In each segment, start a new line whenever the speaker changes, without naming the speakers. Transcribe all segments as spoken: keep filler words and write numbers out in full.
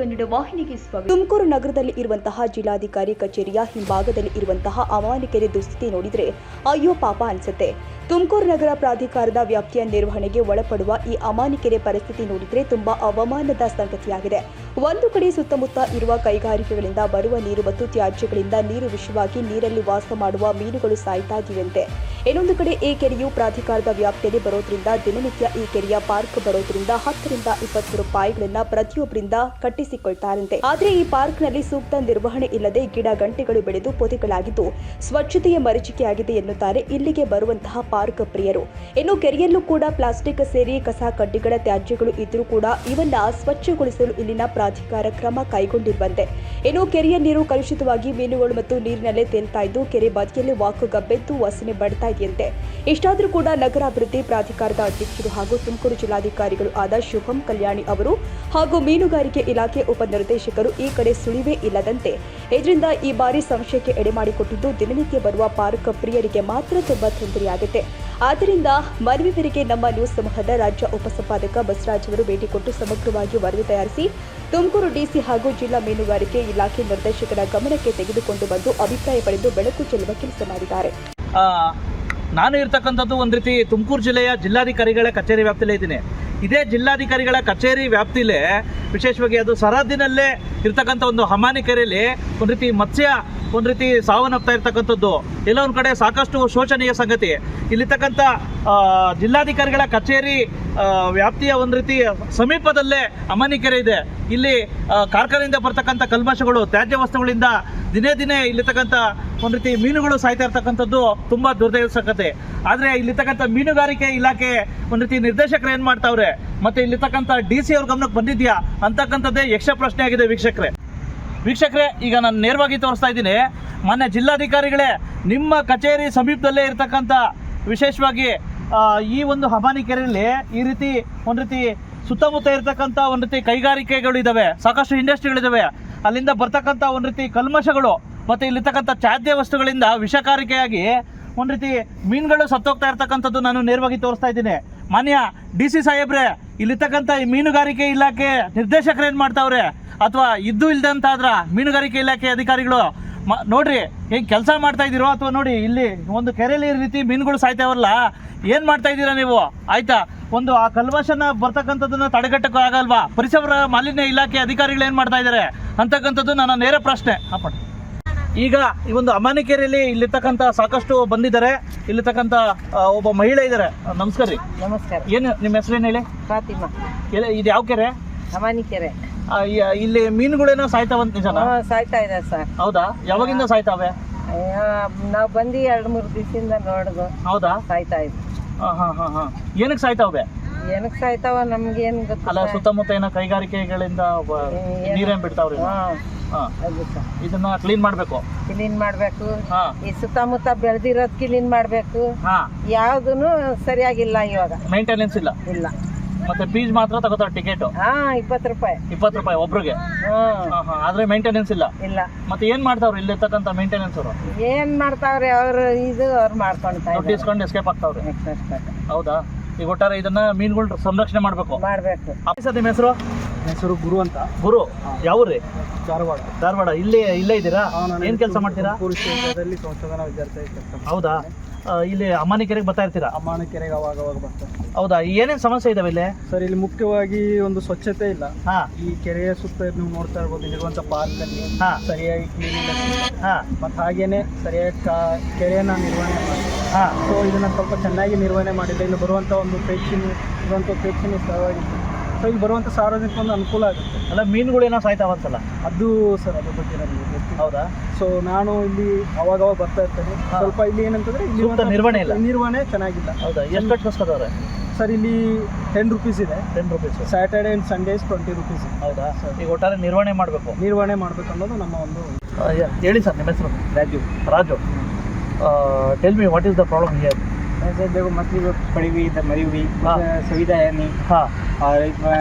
ಕನ್ನಡ ವಾಹಿನಿಗೆ ಸ್ವಾಗತ. ತುಮಕೂರು ನಗರದಲ್ಲಿ ಇರುವಂತಹ ಜಿಲ್ಲಾಧಿಕಾರಿ ಕಚೇರಿಯ ಹಿಂಭಾಗದಲ್ಲಿ ಇರುವಂತಹ ಅಮಾನಿಕೆರೆ ದುಸ್ಥಿತಿ ನೋಡಿದ್ರೆ ಅಯ್ಯೋ ಪಾಪ ಅನ್ಸುತ್ತೆ. ತುಮಕೂರು ನಗರ ಪ್ರಾಧಿಕಾರದ ವ್ಯಾಪ್ತಿಯ ನಿರ್ವಹಣೆಗೆ ಒಳಪಡುವ ಈ ಅಮಾನಿಕೆರೆ ಪರಿಸ್ಥಿತಿ ನೋಡಿದ್ರೆ ತುಂಬಾ ಅವಮಾನದ ಸಂಗತಿಯಾಗಿದೆ. ಒಂದು ಕಡೆ ಸುತ್ತಮುತ್ತ ಇರುವ ಕೈಗಾರಿಕೆಗಳಿಂದ ಬರುವ ನೀರು ಮತ್ತು ತ್ಯಾಜ್ಯಗಳಿಂದ ನೀರು ವಿಷವಾಗಿ ನೀರಲ್ಲಿ ವಾಸ ಮಾಡುವ ಮೀನುಗಳು ಸಾಯ್ತಾ ಇವೆಯಂತೆ. ಇನ್ನೊಂದು ಕಡೆ ಈ ಕೆರೆಯು ಪ್ರಾಧಿಕಾರದ ವ್ಯಾಪ್ತಿಯಲ್ಲಿ ಬರೋದ್ರಿಂದ ದಿನನಿತ್ಯ ಈ ಕೆರೆಯ ಪಾರ್ಕ್ ಬರೋದ್ರಿಂದ ಹತ್ತರಿಂದ ಇಪ್ಪತ್ತು ರೂಪಾಯಿಗಳನ್ನ ಪ್ರತಿಯೊಬ್ಬರಿಂದ ಕಟ್ಟಿಸಿಕೊಳ್ತಾರಂತೆ. ಆದ್ರೆ ಈ ಪಾರ್ಕ್ನಲ್ಲಿ ಸೂಕ್ತ ನಿರ್ವಹಣೆ ಇಲ್ಲದೆ ಗಿಡ ಗಂಟೆಗಳು ಬೆಳೆದು ಪೊದೆಗಳಾಗಿದ್ದು ಸ್ವಚ್ಛತೆಯ ಮರೀಚಿಕೆಯಾಗಿದೆ ಎನ್ನುತ್ತಾರೆ ಇಲ್ಲಿಗೆ ಬರುವಂತಹ ಪಾರ್ಕ್ ಪ್ರಿಯರು. ಇನ್ನು ಕೆರೆಯಲ್ಲೂ ಕೂಡ ಪ್ಲಾಸ್ಟಿಕ್ ಸೇರಿ ಕಸ ಕಡ್ಡಿಗಳ ತ್ಯಾಜ್ಯಗಳು ಇದ್ರೂ ಕೂಡ ಇವನ್ನ ಸ್ವಚ್ಛಗೊಳಿಸಲು ಇಲ್ಲಿನ ಪ್ರಾಧಿಕಾರ ಕ್ರಮ ಕೈಗೊಂಡಿರುವಂತೆ. ಇನ್ನು ಕೆರೆಯ ನೀರು ಕಲುಷಿತವಾಗಿ ಮೀನುಗಳು ಮತ್ತು ನೀರಿನಲ್ಲೇ ತೇಲ್ತಾ ಇದ್ದು ಕೆರೆ ಬದಿಯಲ್ಲಿ ವಾಕು ಗಬ್ಬೆದ್ದು ವಾಸನೆ ಬಡ್ತಾ ಇದೆಯಂತೆ. ಇಷ್ಟಾದರೂ ಕೂಡ ನಗರಾಭಿವೃದ್ಧಿ ಪ್ರಾಧಿಕಾರದ ಅಧ್ಯಕ್ಷರು ಹಾಗೂ ತುಮಕೂರು ಜಿಲ್ಲಾಧಿಕಾರಿಗಳು ಆದ ಶುಭಂ ಕಲ್ಯಾಣಿ ಅವರು ಹಾಗೂ ಮೀನುಗಾರಿಕೆ ಇಲಾಖೆ ಉಪನಿರ್ದೇಶಕರು ಈ ಕಡೆ ಸುಳಿವೇ ಇಲ್ಲದಂತೆ ಇದರಿಂದ ಈ ಬಾರಿ ಸಂಶಯಕ್ಕೆ ಎಡೆ ಮಾಡಿಕೊಟ್ಟಿದ್ದು ದಿನನಿತ್ಯ ಬರುವ ಪಾರ್ಕ್ ಪ್ರಿಯರಿಗೆ ಮಾತ್ರ ತುಂಬಾ ತೊಂದರೆಯಾಗುತ್ತೆ. ಆದ್ದರಿಂದ ಮನವಿ ಮೇರೆಗೆ ನಮ್ಮ ನ್ಯೂಸ್ ಸಮೂಹದ ರಾಜ್ಯ ಉಪಸಂಪಾದಕ ಬಸವರಾಜ್ ಅವರು ಭೇಟಿ ಕೊಟ್ಟು ಸಮಗ್ರವಾಗಿ ವರದಿ ತಯಾರಿಸಿ ತುಮಕೂರು ಡಿಸಿ ಹಾಗೂ ಜಿಲ್ಲಾ ಮೀನುಗಾರಿಕೆ ಇಲಾಖೆ ನಿರ್ದೇಶಕರ ಗಮನಕ್ಕೆ ತೆಗೆದುಕೊಂಡು ಬಂದು ಅಭಿಪ್ರಾಯ ಪಡೆದು ಬೆಳಕು ಚೆಲ್ಲುವ ಕೆಲಸ ಮಾಡಿದ್ದಾರೆ.
ನಾನು ಇರ್ತಕ್ಕಂಥದ್ದು ಒಂದು ರೀತಿ ತುಮಕೂರು ಜಿಲ್ಲೆಯ ಜಿಲ್ಲಾಧಿಕಾರಿಗಳ ಕಚೇರಿ ವ್ಯಾಪ್ತಿಯಲ್ಲೇ ಇದ್ದೀನಿ. ಇದೇ ಜಿಲ್ಲಾಧಿಕಾರಿಗಳ ಕಚೇರಿ ವ್ಯಾಪ್ತಿಲೇ ವಿಶೇಷವಾಗಿ ಅದು ಸರಹದ್ದಿನಲ್ಲೇ ಇರ್ತಕ್ಕಂಥ ಒಂದು ಹಮಾನಿ ಕೆರೆಯಲ್ಲಿ ಒಂದು ರೀತಿ ಮತ್ಸ್ಯ ಒಂದು ರೀತಿ ಸಾವನ್ನಪ್ತಾ ಇರ್ತಕ್ಕಂಥದ್ದು ಎಲ್ಲ ಒಂದು ಕಡೆ ಸಾಕಷ್ಟು ಶೋಚನೀಯ ಸಂಗತಿ. ಇಲ್ಲಿರ್ತಕ್ಕಂಥ ಜಿಲ್ಲಾಧಿಕಾರಿಗಳ ಕಚೇರಿ ವ್ಯಾಪ್ತಿಯ ಒಂದು ರೀತಿ ಸಮೀಪದಲ್ಲೇ ಹಮಾನಿ ಕೆರೆ ಇದೆ. ಇಲ್ಲಿ ಕಾರ್ಖಾನೆಯಿಂದ ಬರ್ತಕ್ಕಂಥ ಕಲ್ಮಶಗಳು ತ್ಯಾಜ್ಯ ವಸ್ತುಗಳಿಂದ ದಿನೇ ದಿನೇ ಇಲ್ಲಿರ್ತಕ್ಕಂಥ ಒಂದು ರೀತಿ ಮೀನುಗಳು ಸಾಯ್ತಾ ಇರ್ತಕ್ಕಂಥದ್ದು ತುಂಬ ದುರ್ದೈವ ಸಂಗತಿ. ಆದರೆ ಇಲ್ಲಿರ್ತಕ್ಕಂಥ ಮೀನುಗಾರಿಕೆ ಇಲಾಖೆ ಒಂದು ರೀತಿ ನಿರ್ದೇಶಕರು ಏನು ಮಾಡ್ತಾವ್ರೆ ಮತ್ತು ಇಲ್ಲಿರ್ತಕ್ಕಂಥ ಡಿ ಸಿ ಅವ್ರ ಗಮನಕ್ಕೆ ಬಂದಿದೆಯಾ ಅಂತಕ್ಕಂಥದ್ದೇ ಯಕ್ಷ ಪ್ರಶ್ನೆ ಆಗಿದೆ. ವೀಕ್ಷಕರೇ ವೀಕ್ಷಕರೇ ಈಗ ನಾನು ನೇರವಾಗಿ ತೋರಿಸ್ತಾ ಇದ್ದೀನಿ. ಮಾನ್ಯ ಜಿಲ್ಲಾಧಿಕಾರಿಗಳೇ, ನಿಮ್ಮ ಕಚೇರಿ ಸಮೀಪದಲ್ಲೇ ಇರ್ತಕ್ಕಂಥ ವಿಶೇಷವಾಗಿ ಈ ಒಂದು ಹಮಾನಿ ಕೆರೆಯಲ್ಲಿ ಈ ರೀತಿ ಒಂದು ರೀತಿ ಸುತ್ತಮುತ್ತ ಇರ್ತಕ್ಕಂಥ ಒಂದು ರೀತಿ ಕೈಗಾರಿಕೆಗಳು ಇದ್ದಾವೆ, ಸಾಕಷ್ಟು ಇಂಡಸ್ಟ್ರಿಗಳಿದ್ದಾವೆ. ಅಲ್ಲಿಂದ ಬರ್ತಕ್ಕಂಥ ಒಂದು ರೀತಿ ಕಲ್ಮಶಗಳು ಮತ್ತು ಇಲ್ಲಿರ್ತಕ್ಕಂಥ ತ್ಯಾಜ್ಯ ವಸ್ತುಗಳಿಂದ ವಿಷಕಾರಿಕೆಯಾಗಿ ಒಂದು ರೀತಿ ಮೀನುಗಳು ಸತ್ತೋಗ್ತಾ ಇರ್ತಕ್ಕಂಥದ್ದು ನಾನು ನೇರವಾಗಿ ತೋರಿಸ್ತಾ ಇದ್ದೀನಿ. ಮಾನ್ಯ ಡಿ ಸಿ ಸಾಹೇಬ್ರೆ, ಇಲ್ಲಿರ್ತಕ್ಕಂಥ ಈ ಮೀನುಗಾರಿಕೆ ಇಲಾಖೆ ನಿರ್ದೇಶಕರು ಏನು ಮಾಡ್ತಾವ್ರೆ ಅಥವಾ ಇದ್ದು ಇಲ್ದಂತಾದ್ರ ಮೀನುಗಾರಿಕೆ ಇಲಾಖೆ ಅಧಿಕಾರಿಗಳು ಮ ನೋಡ್ರಿ ಹೆಂಗೆ ಕೆಲಸ ಮಾಡ್ತಾ ಇದ್ದೀರೋ ಅಥವಾ ನೋಡಿ ಇಲ್ಲಿ ಒಂದು ಕೆರೆಯಲ್ಲಿ ಈ ರೀತಿ ಮೀನುಗಳು ಸಾಯ್ತಾವಲ್ಲ, ಏನು ಮಾಡ್ತಾ ಇದ್ದೀರಾ ನೀವು? ಆಯ್ತಾ, ಒಂದು ಆ ಕಲ್ಮಶನ ಬರ್ತಕ್ಕಂಥದ್ದನ್ನು ತಡೆಗಟ್ಟಕ್ಕೆ ಆಗಲ್ವಾ? ಪರಿಸರ ಮಾಲಿನ್ಯ ಇಲಾಖೆ ಅಧಿಕಾರಿಗಳು ಏನು ಮಾಡ್ತಾ ಇದ್ದಾರೆ ಅಂತಕ್ಕಂಥದ್ದು ನನ್ನ ನೇರ ಪ್ರಶ್ನೆ. ಅಪ್ಪ ಈಗ ಈ ಒಂದು ಹಮಾನಿ ಕೆರೆಯಲ್ಲಿ ಇಲ್ಲಿರ್ತಕ್ಕಂಥ ಸಾಕಷ್ಟು ಬಂದಿದ್ದಾರೆ. ಇಲ್ಲಿರ್ತಕ್ಕಂಥ ಒಬ್ಬ ಮಹಿಳೆ ಇದ್ದಾರೆ. ನಮಸ್ಕಾರ ರೀ.
ನಮಸ್ಕಾರ.
ಏನು ನಿಮ್ಮ ಹೆಸರೇನು ಹೇಳಿ?
ಫಾತಿಮಾ.
ಎಲ್ಲ ಇದು ಯಾವ ಕೆರೆ?
ಹಮಾನಿ ಕೆರೆ.
ಇಲ್ಲಿ ಮೀನುಗಳೇನೋ ಸಾಯ್ತಾವಂತ ನಿಜನಾ?
ಸಾಯ್ತಾ ಇದೆ ಸರ್.
ಹೌದಾ? ಯಾವಾಗಿಂದ ಸಾಯ್ತಾವೆ?
ನಾವು ಬಂದು ಎರಡು ಮೂರು ದಿವಸದಿಂದ ನೋಡುದು.
ಹೌದಾ?
ಸಾಯ್ತಾ ಇದೆ.
ಹಾಂ ಹಾಂ ಹಾಂ ಹಾಂ ಏನಕ್ಕೆ ಸಾಯ್ತಾವೆ?
ಏನಕ್ಕೆ ಸಾಯ್ತಾವ ನಮ್ಗೆ ಏನು ಗೊತ್ತಿಲ್ಲ.
ಅಲ್ಲ, ಸುತ್ತಮುತ್ತ ಏನೋ ಕೈಗಾರಿಕೆಗಳಿಂದ ನೀರೇನು ಬಿಡ್ತಾವ್ರಿ? ಇದನ್ನ ಕ್ಲೀನ್ ಮಾಡ್ಬೇಕು.
ಕ್ಲೀನ್ ಮಾಡ್ಬೇಕು. ಈ ಸುತ್ತಮುತ್ತ ಬೆಳೆದಿರೋದ್ ಕ್ಲೀನ್ ಮಾಡ್ಬೇಕು. ಯಾವ್ದೂನು ಸರಿಯಾಗಿಲ್ಲ ಇವಾಗ.
ಮೇಂಟೆನೆನ್ಸ್ ಇಲ್ಲ.
ಇಲ್ಲ.
ಮತ್ತೆ ಫೀಸ್ ಮಾತ್ರ ತಗೋತಾರೆ ಟಿಕೆಟ್.
ಹಾ, ಇಪ್ಪತ್ತು ರೂಪಾಯಿ.
ಇಪ್ಪತ್ತು ರೂಪಾಯಿ ಒಬ್ರಿಗೆ. ಆದ್ರೆ ಮೇಂಟೆನೆನ್ಸ್ ಇಲ್ಲ.
ಇಲ್ಲ.
ಮತ್ತೆ ಏನ್ ಮಾಡ್ತಾವ್ರಿ ಇಲ್ಲಿರ್ತಕ್ಕಂಥ ಮೇಂಟೆನೆನ್ಸ್ ಅವರು?
ಏನ್ ಮಾಡ್ತಾವ್ರಿ ಅವ್ರು? ಇದು ಅವ್ರು ಮಾಡ್ಕೊಂತ
ಇಸ್ಕೊಂಡು ಎಸ್ಕೇಪ್ ಆಗ್ತಾವ್ರಿ. ಹೌದಾ? ಈಗ ಒಟ್ಟಾರೆ ಇದನ್ನ ಮೀನುಗಳು ಸಂರಕ್ಷಣೆ ಮಾಡ್ಬೇಕು.
ಮಾಡ್ಬೇಕು.
ನಿಮ್ಮ ಹೆಸರು?
ಹೆಸರು ಗುರು ಅಂತ.
ಗುರು, ಯಾವ್ರಿ?
ಧಾರವಾಡ.
ಧಾರವಾಡ. ಇಲ್ಲೇ ಇಲ್ಲೇ ಇದ್ದೀರಾ? ಏನ್ ಕೆಲಸ ಮಾಡ್ತೀರಾ?
ಸಂಶೋಧನಾ ವಿದ್ಯಾರ್ಥಿ.
ಹೌದಾ? ಇಲ್ಲಿ ಹಮಾನಿ ಕೆರೆಗೆ ಬರ್ತಾ ಇರ್ತೀರಾ?
ಹಮಾನಿ ಕೆರೆಗೆ ಅವಾಗ ಅವಾಗ ಬರ್ತಾರೆ.
ಹೌದಾ? ಏನೇನು ಸಮಸ್ಯೆ ಇದಾವೆ ಇಲ್ಲಿ?
ಸರ್, ಇಲ್ಲಿ ಮುಖ್ಯವಾಗಿ ಒಂದು ಸ್ವಚ್ಛತೆ ಇಲ್ಲ.
ಹಾ.
ಈ ಕೆರೆಯ ಸುತ್ತ ನೀವು ನೋಡ್ತಾ ಇರ್ಬೋದು, ಇಲ್ಲಿರುವಂತ ಪಾರ್ಕ್ ಅಲ್ಲಿ
ಹಾ
ಸರಿಯಾಗಿ ಕ್ಲೀನಿಂಗ್.
ಹಾ.
ಮತ್ತೆ ಹಾಗೇನೆ ಸರಿಯಾಗಿ ಕೆರೆಯನ್ನ ನಿರ್ವಹಣೆ ಮಾಡಿ.
ಹಾ.
ಸೊ ಇದನ್ನ ಸ್ವಲ್ಪ ಚೆನ್ನಾಗಿ ನಿರ್ವಹಣೆ ಮಾಡಿದ್ರೆ ಇಲ್ಲಿ ಬರುವಂತ ಒಂದು ಪ್ರೇಕ್ಷಣೀಯ ಇರುವಂತ ಪ್ರೇಕ್ಷಣೀಯ ಸ್ಥಳವಾಗಿ ಸೊ ಇಲ್ಲಿ ಬರುವಂತ ಸಾರ್ವಜನಿಕ ಒಂದು ಅನುಕೂಲ ಆಗುತ್ತೆ.
ಅಲ್ಲ, ಮೀನುಗಳೇನೋ ಸಾಯ್ತಾವಂತಲ್ಲ ಅದು?
ಸರ್, ಅದ್ರ ಬಗ್ಗೆ ನನಗೆ ಗೊತ್ತಿಲ್ಲ.
ಹೌದಾ?
ಸೊ ನಾನು ಇಲ್ಲಿ ಅವಾಗವಾಗ ಬರ್ತಾ ಇರ್ತೇನೆ. ಸ್ವಲ್ಪ ಇಲ್ಲಿ ಏನಂತಂದ್ರೆ ಇಲ್ಲಿ
ನಿರ್ವಹಣೆ ಇಲ್ಲ.
ನಿರ್ವಹಣೆ ಚೆನ್ನಾಗಿಲ್ಲ.
ಹೌದಾ? ಎಷ್ಟು ಕಟ್ಕೋಸ್ಕರವ್ರೆ?
ಸರ್, ಇಲ್ಲಿ ಟೆನ್ ರುಪೀಸ್ ಇದೆ.
Ten rupees
Saturday and Sundays twenty rupees.
ಹೌದಾ? ಈಗ ಒಟ್ಟಾರೆ ನಿರ್ವಹಣೆ ಮಾಡಬೇಕು.
ನಿರ್ವಹಣೆ ಮಾಡಬೇಕು ಅನ್ನೋದು ನಮ್ಮ ಒಂದು.
ಹೇಳಿ ಸರ್, ನಿಮ್ಮ ಹೆಸರು?
Raju.
Raju, tell me what is the problem here?
ऐसे देखो मछली पड़ी हुई इधर मरी हुई, सुविधा है नहीं.
हाँ.
और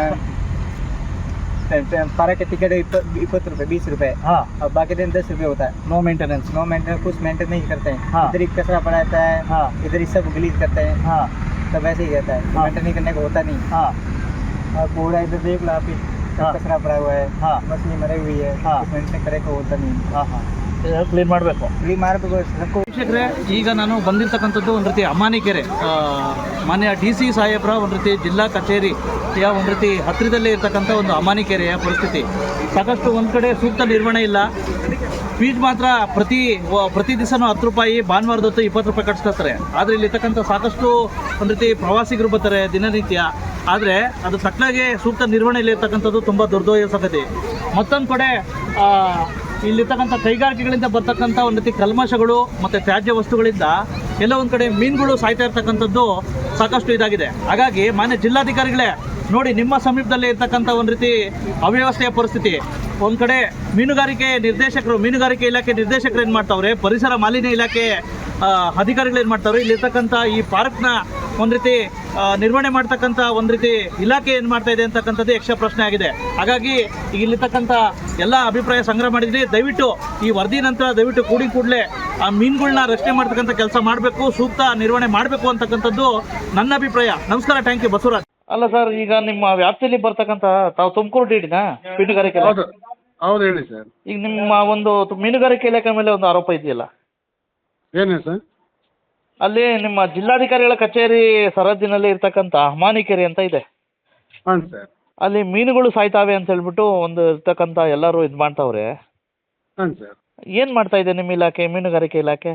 पारा का टिकट इक्कीस रुपये बीस रुपये.
हाँ.
और बाकी दिन दस रुपये होता है.
No maintenance.
नो मेंटेनेंस, कुछ मेंटेन नहीं करते हैं.
हाँ.
इधर ही कचरा पड़ा रहता है.
हाँ.
इधर ही सब गलीज करते हैं.
हाँ.
सब ऐसे ही रहता है.
हाँ.
मेंटेन नहीं करने को होता नहीं.
हाँ.
और कूड़ा इधर देख लो आप ही
कचरा भरा हुआ है,
हाँ
मछली मरी हुई है,
हाँ।
मेंटेन करे को होता नहीं।
ಹಾಂ ಹಾಂ ಕ್ಲೀನ್ ಮಾಡಬೇಕು.
फ्री मारಬೇಕು सबको।
ವೀಕ್ಷಕರೇ, ಈಗ ನಾನು ಬಂದಿರತಕ್ಕಂಥದ್ದು ಒಂದು ರೀತಿ ಅಮಾನಿಕೆರೆ ಆ, ಮಾನ್ಯ ಡಿ ಸಿ ಸಾಹೇಬ್ರ ಒಂದು ರೀತಿ ಜಿಲ್ಲಾ ಕಚೇರಿಯ ಒಂದು ರೀತಿ ಹತ್ತಿರದಲ್ಲೇ ಇರ್ತಕ್ಕಂಥ ಒಂದು ಅಮಾನಿಕೆರೆಯ ಪರಿಸ್ಥಿತಿ. ಸಾಕಷ್ಟು ಒಂದು ಕಡೆ ಸೂಕ್ತ ನಿರ್ವಹಣೆ ಇಲ್ಲ. ಫೀಸ್ ಮಾತ್ರ ಪ್ರತಿ ವ- ಪ್ರತಿ ದಿವಸನೂ ಹತ್ತು ರೂಪಾಯಿ, ಭಾನುವಾರದೊತ್ತು ಇಪ್ಪತ್ತು ರೂಪಾಯಿ ಕಟ್ಸ್ಕೊಳ್ತಾರೆ. ಆದರೆ ಇಲ್ಲಿರ್ತಕ್ಕಂಥ ಸಾಕಷ್ಟು ಒಂದು ರೀತಿ ಪ್ರವಾಸಿಗರು ಬರ್ತಾರೆ ದಿನನಿತ್ಯ. ಆದರೆ ಅದು ತಕ್ಕನಾಗೆ ಸೂಕ್ತ ನಿರ್ವಹಣೆಯಲ್ಲಿ ಇರ್ತಕ್ಕಂಥದ್ದು ತುಂಬ ದುರ್ದೈವ ಸಂಗತಿ. ಮತ್ತೊಂದು ಕಡೆ ಆ, ಇಲ್ಲಿರ್ತಕ್ಕಂಥ ಕೈಗಾರಿಕೆಗಳಿಂದ ಬರ್ತಕ್ಕಂಥ ಒಂದು ರೀತಿ ಕಲ್ಮಶಗಳು ಮತ್ತು ತ್ಯಾಜ್ಯ ವಸ್ತುಗಳಿಂದ ಎಲ್ಲ ಒಂದು ಕಡೆ ಮೀನುಗಳು ಸಾಯ್ತಾ ಇರ್ತಕ್ಕಂಥದ್ದು ಸಾಕಷ್ಟು ಇದಾಗಿದೆ. ಹಾಗಾಗಿ ಮಾನ್ಯ ಜಿಲ್ಲಾಧಿಕಾರಿಗಳೇ ನೋಡಿ, ನಿಮ್ಮ ಸಮೀಪದಲ್ಲೇ ಇರ್ತಕ್ಕಂಥ ಒಂದು ರೀತಿ ಅವ್ಯವಸ್ಥೆಯ ಪರಿಸ್ಥಿತಿ. ಒಂದು ಕಡೆ ಮೀನುಗಾರಿಕೆ ನಿರ್ದೇಶಕರು ಮೀನುಗಾರಿಕೆ ಇಲಾಖೆ ನಿರ್ದೇಶಕರು ಏನು ಮಾಡ್ತಾವ್ರೆ, ಪರಿಸರ ಮಾಲಿನ್ಯ ಇಲಾಖೆ ಆ, ಅಧಿಕಾರಿಗಳು ಏನು ಮಾಡ್ತಾವ್ರೆ, ಇಲ್ಲಿರ್ತಕ್ಕಂಥ ಈ ಪಾರ್ಕ್ನ ಒಂದು ರೀತಿ ಆ, ನಿರ್ವಹಣೆ ಮಾಡ್ತಕ್ಕಂಥ ಒಂದು ರೀತಿ ಇಲಾಖೆ ಏನು ಮಾಡ್ತಾ ಇದೆ ಅಂತಕ್ಕಂಥದ್ದು ಯಕ್ಷ ಪ್ರಶ್ನೆ ಆಗಿದೆ. ಹಾಗಾಗಿ ಈಗ ಇಲ್ಲಿರ್ತಕ್ಕಂಥ ಎಲ್ಲ ಅಭಿಪ್ರಾಯ ಸಂಗ್ರಹ ಮಾಡಿದ್ರಿ. ದಯವಿಟ್ಟು ಈ ವರದಿ ನಂತರ ದಯವಿಟ್ಟು ಕೂಡಿ ಕೂಡಲೇ ಆ ಮೀನುಗಳನ್ನ ರಕ್ಷಣೆ ಮಾಡ್ತಕ್ಕಂಥ ಕೆಲಸ ಮಾಡಬೇಕು, ಸೂಕ್ತ ನಿರ್ವಹಣೆ ಮಾಡಬೇಕು ಅಂತಕ್ಕಂಥದ್ದು ನನ್ನ ಅಭಿಪ್ರಾಯ. ನಮಸ್ಕಾರ, ಥ್ಯಾಂಕ್ ಯು. ಬಸವರಾಜ್. ಅಲ್ಲ ಸರ್, ಈಗ ನಿಮ್ಮ ವ್ಯಾಪ್ತಿಯಲ್ಲಿ ಬರ್ತಕ್ಕಂಥ ತಾವು ತುಮಕೂರು ಡಿಡಿನಾ ಮೀನುಗಾರಿಕೆ?
ಹೌದು ಹೌದು ಹೇಳಿ ಸರ್.
ಈಗ ನಿಮ್ಮ ಒಂದು ಮೀನುಗಾರಿಕೆ ಇಲಾಖೆ ಮೇಲೆ ಒಂದು ಆರೋಪ ಇದೆಯಲ್ಲ,
ಏನೇ ಸರ್?
ಅಲ್ಲಿ ನಿಮ್ಮ ಜಿಲ್ಲಾಧಿಕಾರಿಗಳ ಕಚೇರಿ ಸರಹದ್ದಿನಲ್ಲಿ ಇರ್ತಕ್ಕಂಥ ಅಮಾನಿಕೆರೆ ಅಂತ ಇದೆ.
ಹಾಂ ಸರ್.
ಅಲ್ಲಿ ಮೀನುಗಳು ಸಾಯ್ತಾವೆ ಅಂತ ಹೇಳ್ಬಿಟ್ಟು ಒಂದು ಇರ್ತಕ್ಕಂಥ ಎಲ್ಲರೂ ಇದು ಮಾಡ್ತಾವ್ರೆ.
ಹಾಂ ಸರ್.
ಏನು ಮಾಡ್ತಾ ಇದೆ ನಿಮ್ಮ ಇಲಾಖೆ, ಮೀನುಗಾರಿಕೆ ಇಲಾಖೆ?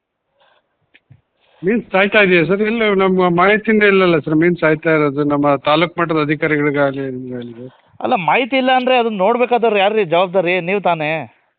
ಮೀನು ಸಾಯ್ತಾ ಇದೆಯಾ ಸರ್? ಇಲ್ಲ, ನಮ್ಮ ಮಾಹಿತಿಯಿಂದ ಇಲ್ಲಲ್ಲ ಸರ್ ಮೀನು ಸಾಯ್ತಾ ಇರೋದು. ನಮ್ಮ ತಾಲೂಕು ಮಟ್ಟದ ಅಧಿಕಾರಿಗಳಿಗಾಗಲಿ ನಿಮಗಾಗಲಿ.
ಅಲ್ಲ, ಮಾಹಿತಿ ಇಲ್ಲ ಅಂದರೆ ಅದನ್ನ ನೋಡ್ಬೇಕಾದವ್ರು ಯಾರು ಜವಾಬ್ದಾರಿ? ನೀವು ತಾನೇ.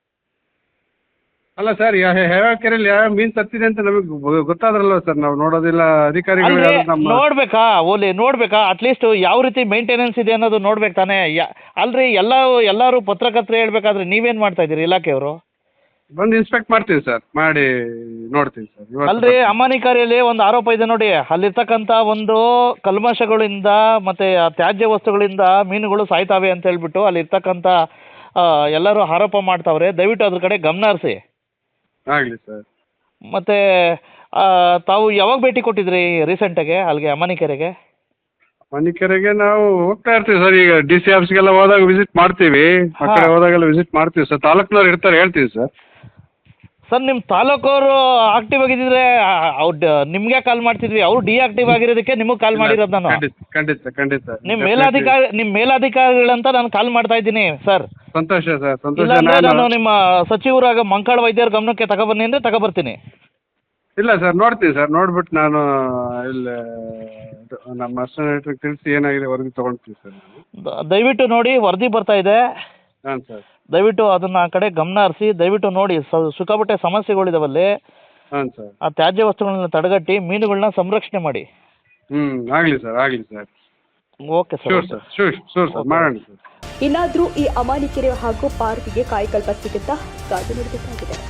ಅಲ್ಲ ಸರ್, ಯಾವ ಕೆರೆಯಲ್ಲಿ ಯಾವ ಮೀನು ಸತ್ತಿದೆ ಅಂತ ನಮಗೆ ಗೊತ್ತಾದ್ರಲ್ವ ಸರ್, ನಾವು ನೋಡೋದಿಲ್ಲ. ಅಧಿಕಾರಿಗಳು
ಅಲ್ರಿ,
ನಮ್ಮ
ನೋಡ್ಬೇಕಾ ಓಲಿ ನೋಡ್ಬೇಕಾ? ಅಟ್ಲೀಸ್ಟ್ ಯಾವ ರೀತಿ ಮೇಂಟೆನೆನ್ಸ್ ಇದೆ ಅನ್ನೋದು ನೋಡ್ಬೇಕು ತಾನೇ. ಯಾ ಅಲ್ರಿ, ಎಲ್ಲ ಎಲ್ಲರೂ ಪತ್ರಕರ್ತರು ಹೇಳ್ಬೇಕಾದ್ರೆ ನೀವೇನು ಮಾಡ್ತಾ ಇದ್ದೀರಿ ಇಲಾಖೆಯವರು?
ಬಂದು ಇನ್ಸ್ಪೆಕ್ಟ್ ಮಾಡ್ತೀವಿ ಸರ್, ಮಾಡಿ ನೋಡ್ತೀವಿ ಸರ್. ಇವತ್ತು
ಅಲ್ರಿ, ಅಮಾನಿಕಾರಿಯಲ್ಲಿ ಒಂದು ಆರೋಪ ಇದೆ ನೋಡಿ. ಅಲ್ಲಿರ್ತಕ್ಕಂಥ ಒಂದು ಕಲ್ಮಶಗಳಿಂದ ಮತ್ತೆ ಆ ತ್ಯಾಜ್ಯ ವಸ್ತುಗಳಿಂದ ಮೀನುಗಳು ಸಾಯ್ತಾವೆ ಅಂತ ಹೇಳ್ಬಿಟ್ಟು ಅಲ್ಲಿರ್ತಕ್ಕಂಥ ಆ, ಎಲ್ಲರೂ ಆರೋಪ ಮಾಡ್ತಾವ್ರೆ. ದಯವಿಟ್ಟು ಅದ್ರ ಕಡೆ ಗಮನ ಹರಿಸಿ.
ಆಗಲಿ ಸರ್.
ಮತ್ತೆ ಆ, ತಾವು ಯಾವಾಗ ಭೇಟಿ ಕೊಟ್ಟಿದ್ರಿ ರೀಸೆಂಟಾಗೆ ಅಲ್ಲಿಗೆ ಅಮಾನಿಕೆರೆಗೆ?
ಮನಿಕೆರೆಗೆ ನಾವು ಹೋಗ್ತಾ ಇರ್ತೀವಿ ಸರ್. ಈಗ ಡಿ ಸಿ ಆಫೀಸ್ಗೆಲ್ಲ ಹೋದಾಗ ವಿಸಿಟ್ ಮಾಡ್ತೀವಿ, ಆ ಕಡೆ
ಹಾ.
ಹೋದಾಗೆಲ್ಲ ವಿಸಿಟ್ ಮಾಡ್ತೀವಿ ಸರ್. ತಾಲೂಕ್ನವ್ರು ಇರ್ತಾರೆ, ಹೇಳ್ತೀವಿ ಸರ್.
ಸರ್, ನಿಮ್ಮ ತಾಲೂಕವರು ಆಕ್ಟಿವ್ ಆಗಿದ್ದಿದ್ರೆ ಅವ್ರು ನಿಮಗೆ ಕಾಲ್ ಮಾಡ್ತಿದ್ವಿ. ಅವ್ರು ಡಿಆಕ್ಟಿವ್ ಆಗಿರೋದಕ್ಕೆ ನಿಮಗೆ ಕಾಲ್ ಮಾಡಿರೋದು ನಾನು.
ಖಂಡಿತ ಖಂಡಿತ ಖಂಡಿತ.
ನಿಮ್ಮ ಮೇಲಾಧಿಕಾರಿ ನಿಮ್ಮ ಮೇಲಾಧಿಕಾರಿಗಳಂತ ನಾನು ಕಾಲ್ ಮಾಡ್ತಾ ಇದ್ದೀನಿ ಸರ್.
ಸಂತೋಷ ಸರ್, ಸಂತೋಷ.
ಇಲ್ಲಾಂದ್ರೆ ನಾನು
ನಾನು
ನಿಮ್ಮ ಸಚಿವರಾಗ ಮಂಕಾಳ ವೈದ್ಯರ ಗಮನಕ್ಕೆ ತಗೊಬನ್ನಿ ಅಂದರೆ ತಗೊಬರ್ತೀನಿ.
ಇಲ್ಲ ಸರ್, ನೋಡ್ತೀನಿ ಸರ್. ನೋಡ್ಬಿಟ್ಟು ನಾನು ಇಲ್ಲಿ ನಮ್ಮ ಅಸ್ಟೇಟ್ರಿಗೆ ತಿಳಿಸಿ ಏನಾಗಿದೆ ವರದಿ ತೊಗೊಳ್ತೀವಿ ಸರ್ ನಾನು.
ದ- ದಯವಿಟ್ಟು ನೋಡಿ, ವರದಿ ಬರ್ತಾ ಇದೆ.
ಹಾಂ ಸರ್.
ದಯವಿಟ್ಟು ಅದನ್ನ ಆ ಕಡೆ ಗಮನ ಹರಿಸಿ. ದಯವಿಟ್ಟು ನೋಡಿ, ಸ- ಸಿಕ್ಕಾಪಟ್ಟೆ ಸಮಸ್ಯೆಗಳಿದಾವಲ್ಲಿ.
ಹಾಂ ಸರ್.
ಆ ತ್ಯಾಜ್ಯ ವಸ್ತುಗಳನ್ನ ತಡೆಗಟ್ಟಿ ಮೀನುಗಳನ್ನ ಸಂರಕ್ಷಣೆ ಮಾಡಿ.
ಹ್ಞೂ ಆಗಲಿ ಸರ್, ಆಗಲಿ sir.
Okay sir.
Sure sir, sure sure sir, ಮಾಡೋಣ ಸರ್.
ಇನ್ನಾದರೂ ಈ ಅಮಾನಿಕೆರೆ ಹಾಗೂ ಪಾರ್ಕ್ಗೆ ಕಾಯಕಲ್ಪ ಸಿಗುತ್ತಾ ಕಾದು ನೋಡಬೇಕಾಗಿದೆ.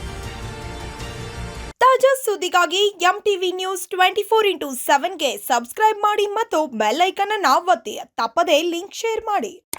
ತಾಜಾ ಸುದ್ದಿಗಾಗಿ M TV news twenty four into ಸೆವೆನ್ಗೆ ಸಬ್ಸ್ಕ್ರೈಬ್ ಮಾಡಿ ಮತ್ತು ಬೆಲ್ ಐಕನ್ ಅನ್ನು ಒತ್ತಿ. ತಪ್ಪದೇ ಲಿಂಕ್ ಶೇರ್ ಮಾಡಿ.